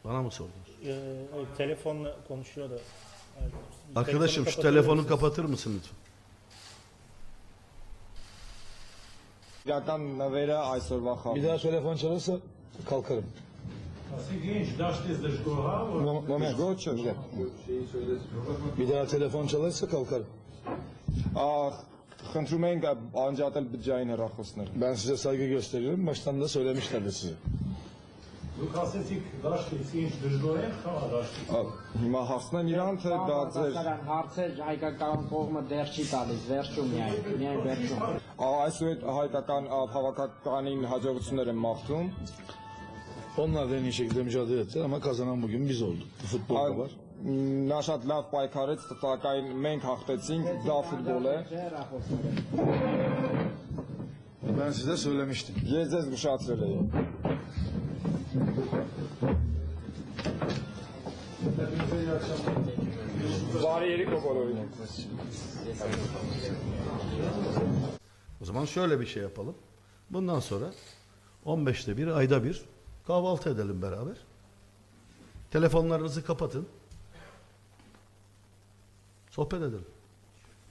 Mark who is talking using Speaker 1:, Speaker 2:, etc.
Speaker 1: Bana mı sordunuz?
Speaker 2: Evet, telefonla konuşuyor da. Evet.
Speaker 1: Arkadaşım şu telefonu kapatır mısın lütfen?
Speaker 3: Իրական նվերը այսօրվա
Speaker 4: Bir
Speaker 3: խաղ։
Speaker 4: daha telefon çalarsa kalkarım. Moment.
Speaker 3: Գոչը։
Speaker 4: Bir daha telefon çalarsa kalkarım.
Speaker 3: Խնդրում ենք անջատել բջջային հեռախոսները։
Speaker 4: Ben size saygı gösteriyorum. Baştan da söylemişlerdi size.
Speaker 3: Հիմա հասնեմ իրան, թե դա ձեր
Speaker 5: Հարցեր հայկական կողմը դեռ չի տալիս, վերջում միայն վերջում։
Speaker 3: այսուհետ հայկական հավաքականին հաջողություններ եմ մաղթում։
Speaker 4: Onlar da en iyi şekilde mücadele ettiler ama kazanan bugün biz olduk. Bu futbolda var.
Speaker 3: Նա շատ լավ պայքարեց, սակայն մենք հաղթեցինք, դա ֆուտբոլ է։
Speaker 4: Ben size söylemiştim.
Speaker 3: Ես ձեզ զգուշացրել եմ։ Բարի երեկո բոլորին։
Speaker 1: O zaman şöyle bir şey yapalım. Bundan sonra 15'te bir, ayda bir kahvaltı edelim beraber. Telefonlarınızı kapatın. Sohbet edelim.